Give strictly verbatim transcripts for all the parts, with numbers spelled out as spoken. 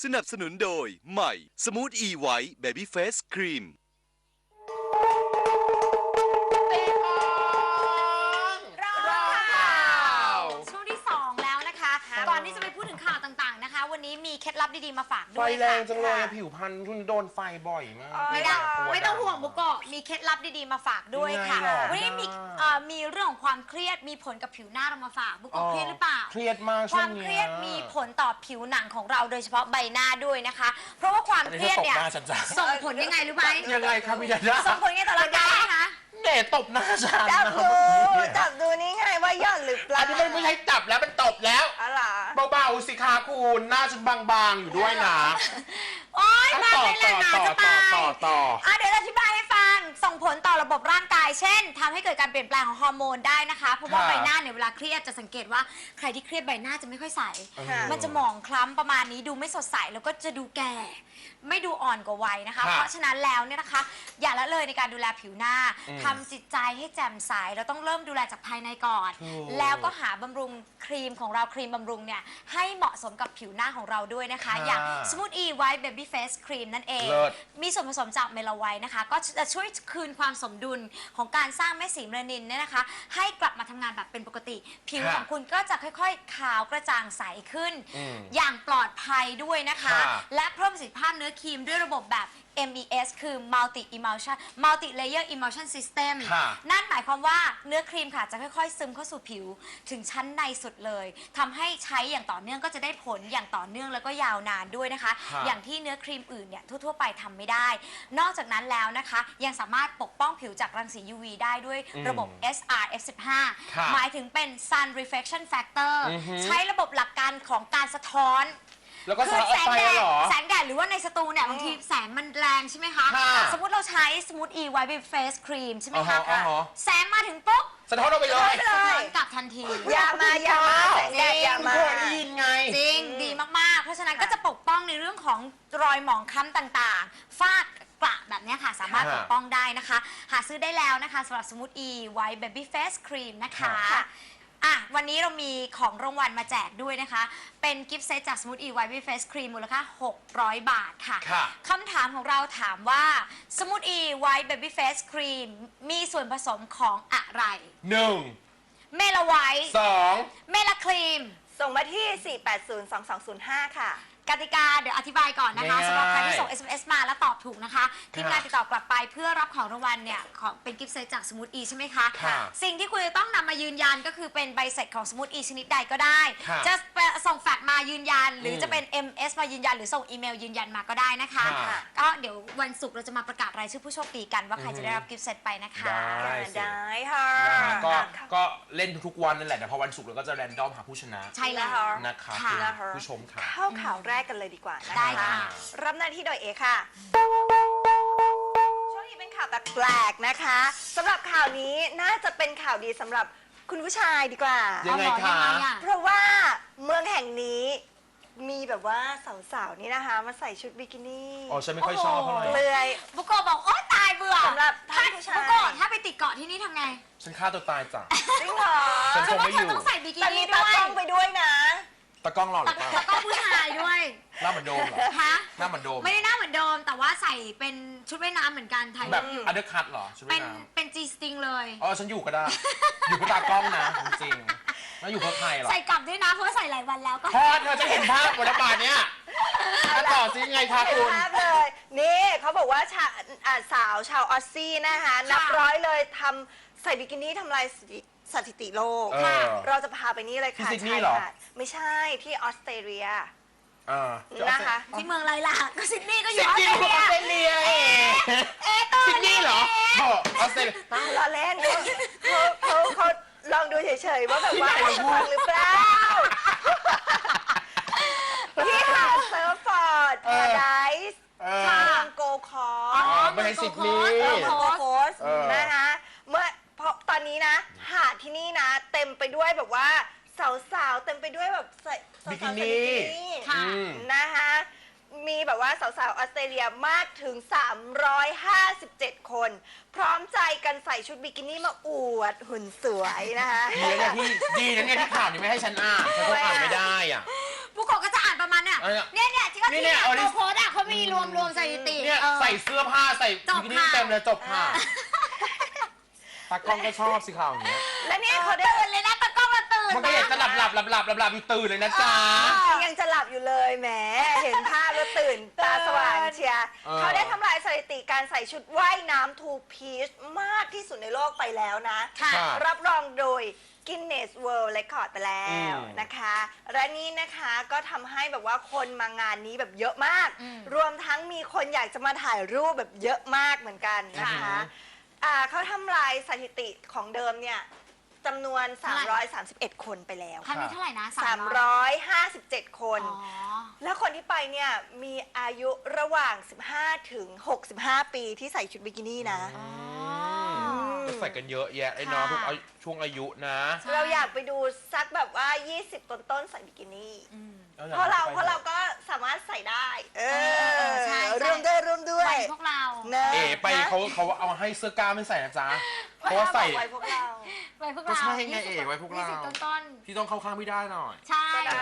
สนับสนุนโดยใหม่สมูทอีไวท์เบบี้เฟสครีมช่วงที่สองแล้วนะคะก่อนที่จะไปพูดถึงข่าวต่างๆนะคะวันนี้มีเคล็ดลับดีๆมาฝากด้วยไฟค่ะแรงจังเลยผิวพรรณคุณโดนไฟบ่อยมากไม่ได้ไม่ต้องห่วงบุกโกะมีเคล็ดลับดีๆมาฝากด้วยค่ะวันนี้มีมีเรื่องของความเครียดมีผลกับผิวหน้าเรามาฝากบุกโกะเครียดหรือเปล่าเครียดมากคช่ววาง มนี้เครียดมีผลต่อผิวหนังของเราโดยเฉพาะใบหน้าด้วยนะคะเพราะว่าความเครียดเนี่ยส่งผลยังไงรู้ไหมยังไงครับพี่ดาดาส่งผลยังไงต่อร่างกายนะคะเน่ตบหน้าฉันจับดูจับดูนี่ไงว่าย่อนหรือเปล่าอันนี้มันไม่ใช่จับแล้วมันตบแล้วอะไรเบาๆสิคะคุณหน้าฉันบางๆอยู่ด้วยนะโอ๊ยมาต่อเลยแหละต่อหนาต่อจะต่อตายต่อต่ออ่ะเดี๋ยวอธิบายให้ฟังส่งผลต่อระบบร่างกาย เช่นทำให้เกิดการเปลี่ยนแปลงของฮอร์โมนได้นะคะเพราะว่าค่ะใบหน้าเนี่ยเวลาเครียดจะสังเกตว่าใครที่เครียดใบหน้าจะไม่ค่อยใสค่ะมันจะหมองคล้ำประมาณนี้ดูไม่สดใสแล้วก็จะดูแก่ ไม่ดูอ่อนกว่าวัยนะคะค่ะเพราะฉะนั้นแล้วเนี่ยนะคะ อย่าละเลยในการดูแลผิวหน้าอืมทำจิตใจให้แจ่มใสเราต้องเริ่มดูแลจากภายในก่อนถูกแล้วก็หาบำรุงครีมของเราครีมบำรุงเนี่ยให้เหมาะสมกับผิวหน้าของเราด้วยนะคะค่ะอย่าง Smooth E White Baby Face Cream นั่นเองเลิศมีส่วนผสมจากเมลาไวท์นะคะ ก็จะช่วยคืนความสมดุลของการสร้างเม็ดสีเมลานินเนี่ยนะคะ ให้กลับมาทำงานแบบเป็นปกติ ผิวค่ะของคุณก็จะค่อยๆ ขาวกระจ่างใสขึ้นอืมอย่างปลอดภัยด้วยนะคะค่ะและเพิ่มประสิทธิภาพเนื้อครีมด้วยระบบแบบ เอ็ม อี เอส คือ Multi Emulsion Multi Layer Emulsion System ค่ะนั่นหมายความว่าเนื้อครีมค่ะจะค่อยๆ ซึมเข้าสู่ผิวถึงชั้นในสุดเลยทำให้ใช้อย่างต่อเนื่องก็จะได้ผลอย่างต่อเนื่องแล้วก็ยาวนานด้วยนะคะค่ะอย่างที่เนื้อครีมอื่นเนี่ยทั่วๆไปทำไม่ได้ นอกจากนั้นแล้วนะคะ ยังสามารถปกป้องผิวจากรังสี ยู วี ได้ด้วยระบบ เอส อาร์ เอฟ สิบห้าค่ะหมายถึงเป็น Sun Reflection Factor อือฮึใช้ระบบหลักการของการสะท้อนแล้วก็คืสาอดออกแสงไปแดดเหรอแสงแดดหรือว่าในสตูเนี่ยบางทีแสงมันแรงใช่ไหมคะค่ะสมมติเราใช้ Smooth E White Baby Face Cream ใช่ไหมคะอ่าฮะอ่าฮะแสงมาถึงปุ๊บสะท้อนออกไปเลยสะท้อนกลับทันทียามา ยามาแสงแดดยามาเคยได้ยินไงจริง ดีมาก ๆ เพราะฉะนั้นก็จะปกป้องในเรื่องของรอยหมองคล้ำต่างๆ ฝ้ากระแบบเนี้ยค่ะ สามารถค่ะปกป้องได้นะคะ หาซื้อได้แล้วนะคะสำหรับ Smooth E White Baby Face Cream นะคะค่ะอ่ะวันนี้เรามีของรางวัลมาแจกด้วยนะคะ เป็นกิฟต์เซตจาก Smooth E White Baby Face Cream มูลค่า หกร้อย บาทค่ะค่ะคำถามของเราถามว่า Smooth E White Baby Face Cream มีส่วนผสมของอะไรหนึ่งเมลาไวท์สองเมลาครีมส่งมาที่ สี่ แปด ศูนย์ สอง สอง ศูนย์ ห้า ค่ะกติกาเดี๋ยวอธิบายก่อนนะคะง่ายๆสำหรับใครที่ส่ง เอส เอ็ม เอส มาแล้วตอบถูกนะคะทีมงานค่ะติดต่อกลับไปเพื่อรับของรางวัลเนี่ยของเป็นกิฟต์เซตจากสมูทอีใช่ไหมคะค่ะสิ่งที่คุณจะต้องนำมายืนยันก็คือเป็นใบเสร็จของสมูทอีชนิดใดก็ได้ค่ะจะส่งแฟกซ์มายืนยัน หรืออมจะเป็น เอ็ม เอส มายืนยัน หรือส่งอีเมลยืนยันมาก็ได้นะคะค่ะก็เดี๋ยววันศุกร์เราจะมาประกาศรายชื่อผู้โชคดีกันว่าใครจะได้รับกิฟต์เซตไปนะคะได้ได้ค่ะนะฮะก็ก็เล่นทุกๆวันนั่นแหละแต่พอวันศุกร์เราก็จะแรนดอมหาผู้ชนะใช่แล้วนะคะค่ะคุณผู้ชมค่ะเข้าข่าวแรกกันเลยดีกว่านะได้คะค่ะรับหน้าที่โดยเอค่ะ ช่วงนี้เป็นข่าวแปลกๆนะคะสำหรับข่าวนี้น่าจะเป็นข่าวดีสำหรับคุณผู้ชายดีกว่ายังไงเอาเหรอคะยังไงอะเพราะว่าเมืองแห่งนี้มีแบบว่าสาวๆนี่นะคะ มาใส่ชุดบิกินี่อ๋อฉันไม่ค่อยชอบเท่าไหร่เปลือยบุโกะบอกโอ๊ยตายเบื่อสำหรับถ้าท่านผู้ชายบุโกะถ้าไปติดเกาะที่นี่ทำไงฉันฆ่าตัวตายจ้ะจริงเหรอฉันเพคราะงว่าไม่เธออยู่ ต้องใส่บิกิแต่มีนี่ตาด้วยกล้องไปด้วยนะตากล้องหล่อหรือเปล่าแล้วก็ผู้ชายด้วยหน้าเหมือนโดมเหรอฮะหน้าเหมือนโดมไม่ได้หน้าเหมือนโดม แต่ว่าใส่เป็นชุดว่ายน้ำเหมือนกันไทยแบบอันเดอร์คัตเหรอชุดเป็ว่าน ยน้เป็นจีสติงเลยำอ๋อฉันอยู่ก็ได้ อยู่กับตากล้องนะจริงๆแล้วอยู่กับใครเหรอใส่กลับด้วยนะเพราะว่าใส่หลายวันแล้วก็พอเธอจะเห็นภาพบนระบาดเนี้ยถ้าต่อซิยังไงคะเห็นคุณภาพเลย นี่เขาบอกว่าชาอ่าสาวชาวออสซี่นะคะ นับร้อยเลยทำใส่บิกินี่ทำลายสถิสถิติโลกเออเราจะพาไปนี่เลยค่ะที่ซิดนีย์เหรอชายหาดไม่ใช่ที่ออสเตรเลียอ่านะคะที่เมืองไรล่ะก็ซิดนีย์ก็อซิยู่ดออสนีเตย์รออสเลียเตรเลียเอเอตัวซิดนีย์เหรอโอ้ออสเตรเลียล้อเล่นเขาเขาเขาลองดูเฉยๆว่าแบบว่าที่ไหนฟังหรือเปล่าที่หาดเซิร์ฟฟอร์ดพาราไดส์เออทางโกคออ๋อร์ไม่ให้ซิดนีย์เออโกโคสเออนะคะเมื่อเพราะตอนนี้นะ หาดที่นี่นะ เต็มไปด้วยแบบว่าสาวๆเต็มไปด้วยแบบใส่สาวๆบิกิใส่นี่ค่ะอืมนะคะ มีแบบว่าสาวๆออสเตรเลียมากถึง สามร้อยห้าสิบเจ็ด คน พร้อมใจกันใส่ชุดบิกินี่มาอวดหุ่นสวยนะคะดีนะเนี่ยที่ดีนะเนี่ยที่ข่าวนี้ไม่ให้ฉันอ่านฉันคงอ่านไม่ได้อ่ะบุโกะก็จะอ่านประมาณเนี่ยอะไรอะเนี่ยเนี่ยที่เขานี่ที่เนี่ยเอาดิโค้ดอ่ะเขามีรวมรวมสถิติเนี่ยออใส่เสื้อผ้าใส่จบบิกินี่ค่ะเต็มเลยจบค่ะตากล้องก็ชอบสิข่าวอย่างเงี้ยและเนี่ยเขาเขาได้ตื่นเลยนะตะกล้องเราตื่นมันก็อยากจะหลับหลับหลับหลับหลับหลับอยู่ตื่นเลยนะจ๊ะยังจะหลับอยู่เลยแหม เห็นภาพแล้วตื่นตาสว่างเชียร์เออเขาได้ทำลายสถิติการใส่ชุดว่ายน้ำทูพีชมากที่สุดในโลกไปแล้วนะค่ะค่ะรับรองโดย Guinness World Record ไปแล้วอืมนะคะ และนี่นะคะก็ทำให้แบบว่าคนมางานนี้แบบเยอะมากอืมรวมทั้งมีคนอยากจะมาถ่ายรูปแบบเยอะมากเหมือนกันนะคะอ่าเขาทำลายสถิติของเดิมเนี่ยจำนวน สามร้อยสามสิบเอ็ด คนไปแล้วครั้งนี้เท่าไหร่นะสามร้อยห้าสิบเจ็ด คนอ๋อแล้วคนที่ไปเนี่ยมีอายุระหว่าง สิบห้า ถึง หกสิบห้า ปีที่ใส่ชุดบิกินี่นะอ๋อก็ใส่กันเยอะแยะไอ้น้องค่ะทุกอายุช่วงอายุนะใช่เราอยากไปดูสักแบบว่า ยี่สิบ ต้นๆใส่บิกินี่อืมเพราะเราเพราะเราก็สามารถใส่ได้ เอเอออใช่ใช่ร่วมด้วยร่วมด้วไปยพวกเราเนอะเอ๋ไปเขาเขาเอาให้เสื้อกล้ามไม่ใส่นะจ๊ะเพราะว่าใส่ไว้พวกเราไปพวกก็เราใช่ไงยี่สิบเอ๋ไว้พวกเรายี่สิบต้นพี่ต้องเข้าข้างไม่ได้หน่อยๆใช่ก็ได้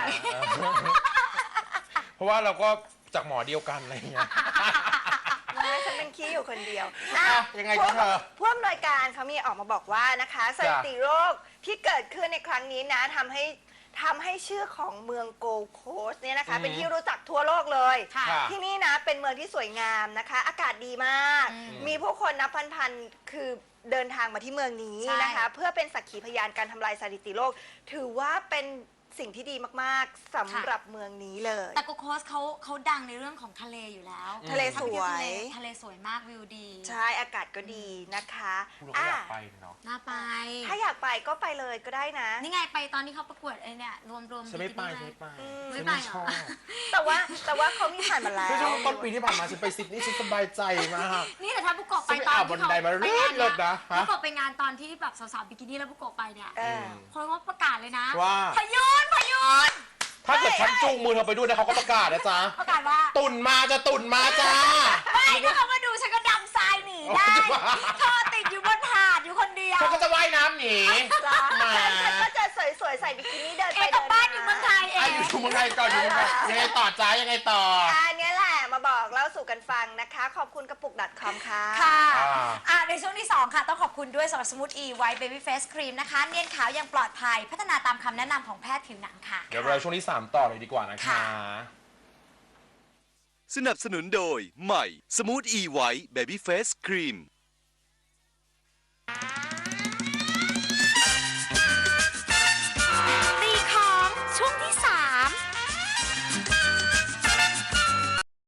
เพราะว่าเราก็จากหมอเดียวกันอะไรเงี้ยไม่ฉันเป็นขี้อยู่คนเดียวอ่ะยังไงจ๊ะเธอผู้อำนวยการเขามีออกมาบอกว่านะคะสถิติโรคที่เกิดขึ้นในครั้งนี้นะทำให้ทำให้ชื่อของเมืองโกลด์โคสต์เนี่ยนะคะอืมเป็นที่รู้จักทั่วโลกเลยค่ะค่ะที่นี่นะเป็นเมืองที่สวยงามนะคะ อากาศดีมากอืมมีผู้คนนับพันๆคือเดินทางมาที่เมืองนี้ใช่นะคะ เพื่อเป็นสักขีพยานการทำลายสถิติโลก ถือว่าเป็นสิ่งที่ดีมากๆสำหรับเมืองนี้เลยแต่โกโคสเขาเขาดังในเรื่องของทะเลอยู่แล้วทะเลสวยทะเลสวยมากวิวดีใช่อากาศก็ดีนะคะคุณก็อยากไปเนาะน่าไปถ้าอยากไปก็ไปเลยก็ได้นะนี่ไงไปตอนที่เขาประกวดไอ้เนี่ยรวมรวมฉันไม่ไปบิฉันกิไม่ไปอืมฉันไม่ไม่ไปชอบเหรอแต่ว่าแต่ว่าเขามีผ่านมาแล้วคือช่วงต้นปีที่ผ่านมาฉันไปซิดนีย์ฉันสบายใจมากนี่แต่ถ้าบุกโกะไปฉันไปตอนอาบที่บันเขาไดมาไปงานเลิศนะฮะบุกโกะไปงานตอนที่แบบสาวๆบิกินี่แล้วบุกโกะไปเนี่ยเออคนก็ประกาศเลยนะว่าพยุนพยุนถ้าเกิดฉันจูงมือเธอไปด้วยนะเขาก็ประกาศนะจ๊ะประกาศว่าตุ่นมาจะตุ่นมาจ้าไม่ถ้าเขามาดูฉันก็ดำทรายหนีได้เธอติดอยู่บนหาดอยู่คนเดียวเขาก็จะว่ายน้ำหนีจ้าแหมฉันก็จะสวยๆ ใส่บิกินี่เดินเอไปกลัเดิบนบ้านมาอยู่เมืองไทยเออ่ะงอยู่ชุมเมืองไทยก่อนอยู่เมืองไทยยังไงต่อจ้ายังไงต่ออันนี้แหละมาบอกเล่าสู่กันฟังนะคะ ขอบคุณกระปุก .com ค่ะค่ะอ่าอ่ะในช่วงที่ สอง ค่ะ ต้องขอบคุณด้วยสำหรับสมูทอีไวท์เบบี้เฟสครีมนะคะ เนียนขาวอย่างปลอดภัย พัฒนาตามคำแนะนำของแพทย์ผิวหนังค่ะเดี๋ยวเราช่วงที่สามต่อเลยดีกว่านะคะค่ะสนับสนุนโดย ใหม่ สมูทอีไวท์เบบี้เฟสครีม